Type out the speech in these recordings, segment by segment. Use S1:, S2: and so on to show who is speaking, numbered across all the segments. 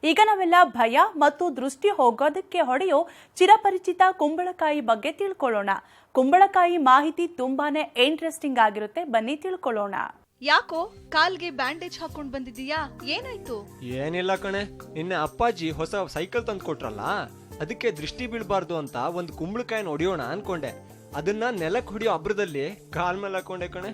S1: ಈಗ ನಾವೆಲ್ಲ ಭಯ ಮತ್ತು ದೃಷ್ಟಿ ಹೋಗೋದಕ್ಕೆ ಹೊಡೆಯೋ ಚಿರಪರಿಚಿತ ಕುಂಬಳಕಾಯಿ ಬಗ್ಗೆ ತಿಳ್ಕೊಳ್ಳೋಣ. ಕುಂಬಳಕಾಯಿ ಮಾಹಿತಿ ತುಂಬಾನೇ ಇಂಟ್ರೆಸ್ಟಿಂಗ್ ಆಗಿರುತ್ತೆ, ಬನ್ನಿ ತಿಳ್ಕೊಳ್ಳೋಣ.
S2: ಯಾಕೋ ಕಾಲ್ಗೆ ಬ್ಯಾಂಡೇಜ್ ಹಾಕೊಂಡ್ ಬಂದಿದೀಯಾ? ಏನಾಯ್ತು?
S3: ಏನಿಲ್ಲ ಕಣೆ, ನಿನ್ನೆ ಅಪ್ಪಾಜಿ ಹೊಸ ಸೈಕಲ್ ತಂದು ಕೊಟ್ರಲ್ಲ, ಅದಕ್ಕೆ ದೃಷ್ಟಿ ಬೀಳ್ಬಾರ್ದು ಅಂತ ಒಂದು ಕುಂಬಳಕಾಯಿನ ಹೊಡಿಯೋಣ ಅನ್ಕೊಂಡೆ. ಅದನ್ನ ನೆಲಕ್ಕೆ ಹೊಡಿಯೋ ಅಬ್ರದಲ್ಲಿ ಕಾಲ್ ಮೇಲೆ ಹಾಕೊಂಡೆ ಕಣೆ.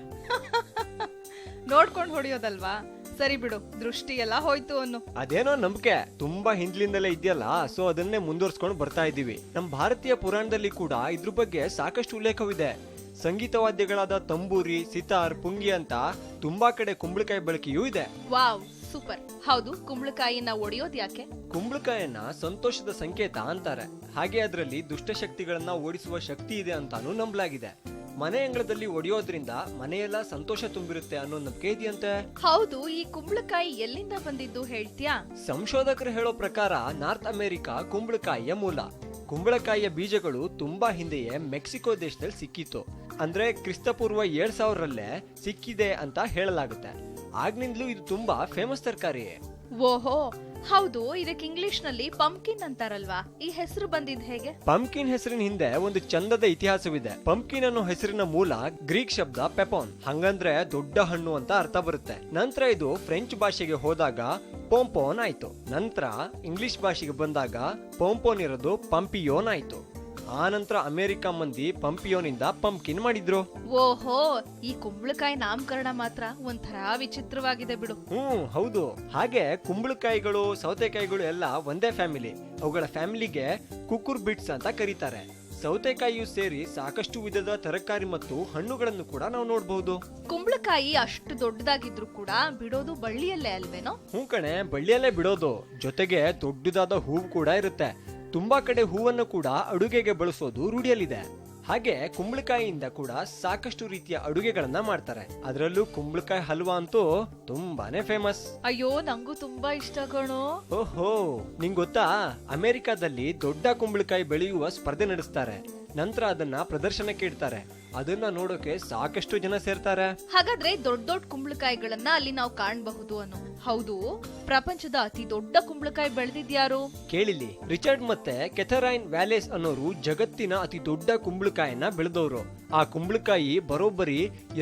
S2: ನೋಡ್ಕೊಂಡ್ ಹೊಡಿಯೋದಲ್ವಾ? ಸರಿ ಬಿಡು, ದೃಷ್ಟಿ ಎಲ್ಲ ಹೋಯ್ತು ಅನ್ನು.
S3: ಅದೇನೋ ನಂಬಿಕೆ ತುಂಬಾ ಹಿಂದ್ಲಿಂದಲೇ ಇದೆಯಲ್ಲ, ಸೊ ಅದನ್ನೇ ಮುಂದುವರ್ಸ್ಕೊಂಡು ಬರ್ತಾ ಇದೀವಿ. ನಮ್ ಭಾರತೀಯ ಪುರಾಣದಲ್ಲಿ ಕೂಡ ಇದ್ರ ಬಗ್ಗೆ ಸಾಕಷ್ಟು ಉಲ್ಲೇಖವಿದೆ. ಸಂಗೀತ ವಾದ್ಯಗಳಾದ ತಂಬೂರಿ, ಸಿತಾರ್, ಪುಂಗಿ ಅಂತ ತುಂಬಾ ಕಡೆ ಕುಂಬಳಕಾಯಿ ಬಳಕೆಯೂ ಇದೆ.
S2: Wow, super. ಹೌದು, ಕುಂಬಳಕಾಯಿನ ಒಡೆಯೋದ್ ಯಾಕೆ?
S3: ಕುಂಬಳಕಾಯನ್ನ ಸಂತೋಷದ ಸಂಕೇತ ಅಂತಾರೆ. ಹಾಗೆ ಅದರಲ್ಲಿ ದುಷ್ಟಶಕ್ತಿಗಳನ್ನ ಓಡಿಸುವ ಶಕ್ತಿ ಇದೆ ಅಂತಾನು ನಂಬಲಾಗಿದೆ. ಮನೆ ಅಂಗಳದಲ್ಲಿ ಒಡೆಯೋದ್ರಿಂದ ಮನೆಯೆಲ್ಲ ಸಂತೋಷ ತುಂಬಿರುತ್ತೆ ಅನ್ನೋ ನಂಬಿಕೆ ಇದೆಯಂತೆ.
S2: ಹೌದು, ಈ ಕುಂಬಳಕಾಯಿ ಎಲ್ಲಿಂದ ಬಂದಿದ್ದು ಹೇಳ್ತೀಯಾ?
S3: ಸಂಶೋಧಕರು ಹೇಳೋ ಪ್ರಕಾರ ನಾರ್ತ್ ಅಮೆರಿಕಾ ಕುಂಬಳಕಾಯಿಯ ಮೂಲ. ಕುಂಬಳಕಾಯಿಯ ಬೀಜಗಳು ತುಂಬಾ ಹಿಂದೆಯೇ ಮೆಕ್ಸಿಕೋ ದೇಶದಲ್ಲಿ ಸಿಕ್ಕಿತ್ತು. ಅಂದ್ರೆ ಕ್ರಿಸ್ತಪೂರ್ವ 7000ರಲ್ಲೇ ಸಿಕ್ಕಿದೆ ಅಂತ ಹೇಳಲಾಗುತ್ತೆ. ಆಗ್ನಿಂದಲೂ ಇದು ತುಂಬಾ ಫೇಮಸ್ ತರಕಾರಿ.
S2: ಓಹೋ, ಹೌದು. ಇದಕ್ಕೆ ಇಂಗ್ಲಿಷ್ ನಲ್ಲಿ ಪಂಪ್ಕಿನ್ ಅಂತಾರಲ್ವಾ? ಈ ಹೆಸರು ಬಂದಿದ್ ಹೇಗೆ?
S3: ಪಂಪ್ಕಿನ್ ಹೆಸರಿನ ಹಿಂದೆ ಒಂದು ಚಂದದ ಇತಿಹಾಸವಿದೆ. ಪಂಪ್ಕಿನ್ ಅನ್ನೋ ಹೆಸರಿನ ಮೂಲ ಗ್ರೀಕ್ ಶಬ್ದ ಪೆಪಾನ್, ಹಂಗಂದ್ರೆ ದೊಡ್ಡ ಹಣ್ಣು ಅಂತ ಅರ್ಥ ಬರುತ್ತೆ. ನಂತರ ಇದು ಫ್ರೆಂಚ್ ಭಾಷೆಗೆ ಹೋದಾಗ ಪೋಂಪೋನ್ ಆಯ್ತು. ನಂತರ ಇಂಗ್ಲಿಷ್ ಭಾಷೆಗೆ ಬಂದಾಗ ಪೋಂಪೋನ್ ಇರೋದು ಪಂಪಿಯೋನ್ ಆಯ್ತು. ಆ ನಂತರ ಅಮೆರಿಕ ಮಂದಿ ಪಂಪಿಯೋನಿಂದ ಪಂಪ್ಕಿನ್ ಮಾಡಿದ್ರು.
S2: ಓಹೋ, ಈ ಕುಂಬಳಕಾಯಿ ನಾಮಕರಣ ಮಾತ್ರ ಒಂಥರ ವಿಚಿತ್ರವಾಗಿದೆ ಬಿಡು.
S3: ಹೌದು. ಹಾಗೆ ಕುಂಬಳಕಾಯಿಗಳು, ಸೌತೆಕಾಯಿಗಳು ಎಲ್ಲ ಒಂದೇ ಫ್ಯಾಮಿಲಿ. ಅವುಗಳ ಫ್ಯಾಮಿಲಿಗೆ ಕುಕುರ್ ಬಿಟ್ಸ್ ಅಂತ ಕರೀತಾರೆ. ಸೌತೆಕಾಯಿಯು ಸೇರಿ ಸಾಕಷ್ಟು ವಿಧದ ತರಕಾರಿ ಮತ್ತು ಹಣ್ಣುಗಳನ್ನು ಕೂಡ ನಾವು ನೋಡಬಹುದು.
S2: ಕುಂಬಳಕಾಯಿ ಅಷ್ಟು ದೊಡ್ಡದಾಗಿದ್ರು ಕೂಡ ಬಿಡೋದು ಬಳ್ಳಿಯಲ್ಲೇ ಅಲ್ವೇನೋ?
S3: ಕಣೆ, ಬಳ್ಳಿಯಲ್ಲೇ ಬಿಡೋದು. ಜೊತೆಗೆ ದೊಡ್ಡದಾದ ಹೂವು ಕೂಡ ಇರುತ್ತೆ. ತುಂಬಾ ಕಡೆ ಹೂವನ್ನು ಕೂಡ ಅಡುಗೆಗೆ ಬಳಸೋದು ರೂಢಿಯಲ್ಲಿದೆ. ಹಾಗೆ ಕುಂಬಳಕಾಯಿಯಿಂದ ಕೂಡ ಸಾಕಷ್ಟು ರೀತಿಯ ಅಡುಗೆಗಳನ್ನ ಮಾಡ್ತಾರೆ. ಅದರಲ್ಲೂ ಕುಂಬಳಕಾಯಿ ಹಲ್ವಾ ಅಂತೂ ತುಂಬಾನೇ ಫೇಮಸ್.
S2: ಅಯ್ಯೋ, ನಂಗೂ ತುಂಬಾ ಇಷ್ಟ ಕಣೋ.
S3: ಓಹೋ, ನಿಂಗ್ ಗೊತ್ತಾ, ಅಮೆರಿಕಾದಲ್ಲಿ ದೊಡ್ಡ ಕುಂಬಳಕಾಯಿ ಬೆಳೆಯುವ ಸ್ಪರ್ಧೆ ನಡೆಸ್ತಾರೆ. ನಂತರ ಅದನ್ನ ಪ್ರದರ್ಶನಕ್ಕೆ ಇಡ್ತಾರೆ. ಅದನ್ನ ನೋಡೋಕೆ ಸಾಕಷ್ಟು ಜನ ಸೇರ್ತಾರೆ.
S2: ಹಾಗಾದ್ರೆ ದೊಡ್ಡ ದೊಡ್ಡ ಕುಂಬಳಕಾಯಿಗಳನ್ನ ಅಲ್ಲಿ ನಾವು ಕಾಣಬಹುದು ಅನ್ನೋ. ಹೌದು, ಪ್ರಪಂಚದ ಅತಿ ದೊಡ್ಡ ಕುಂಬಳಕಾಯಿ ಬೆಳೆದಿದ್ಯಾರು
S3: ಕೇಳಿಲಿ? ರಿಚರ್ಡ್ ಮತ್ತೆ ಕೆಥರೈನ್ ವ್ಯಾಲೇಸ್ ಅನ್ನೋರು ಜಗತ್ತಿನ ಅತಿ ದೊಡ್ಡ ಕುಂಬಳಕಾಯಿನ ಬೆಳೆದವರು. ಆ ಕುಂಬಳಕಾಯಿ ಬರೋಬ್ಬರಿ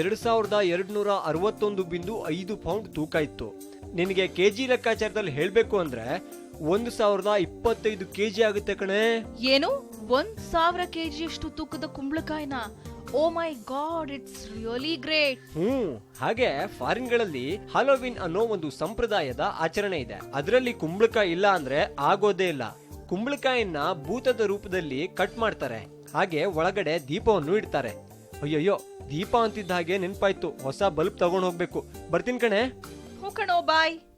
S3: 2261.5 ಪೌಂಡ್ ತೂಕ ಇತ್ತು. ನಿನಗೆ ಕೆಜಿ ಲೆಕ್ಕಾಚಾರದಲ್ಲಿ ಹೇಳ್ಬೇಕು ಅಂದ್ರೆ 1025 ಕೆಜಿ ಆಗುತ್ತೆ ಕಣೆ.
S2: ಏನು, 1000 ಕೆಜಿ ಅಷ್ಟು ತೂಕದ ಕುಂಬಳಕಾಯಿನ? Oh my god, it's really great.
S3: ಹಾಗೆ ಫಾರಿನ್ ಗಳಲ್ಲಿ ಹಾಲೋವಿನ್ ಅನ್ನೋ ಒಂದು ಸಂಪ್ರದಾಯದ ಆಚರಣೆ ಇದೆ. ಅದರಲ್ಲಿ ಕುಂಬಳಕಾಯಿ ಇಲ್ಲ ಅಂದ್ರೆ ಆಗೋದೇ ಇಲ್ಲ. ಕುಂಬಳಕಾಯಿನ ಭೂತದ ರೂಪದಲ್ಲಿ ಕಟ್ ಮಾಡ್ತಾರೆ. ಹಾಗೆ ಒಳಗಡೆ ದೀಪವನ್ನು ಇಡ್ತಾರೆ. ಅಯ್ಯಯ್ಯೋ, ದೀಪ ಅಂತಿದ್ದ ಹಾಗೆ ನೆನ್ಪಾಯ್ತು, ಹೊಸ ಬಲ್ಬ್ ತಗೊಂಡ್ ಹೋಗ್ಬೇಕು. ಬರ್ತೀನಿ ಕಣೆ.
S2: ಹೂ ಕಣೋ, ಬಾಯ್.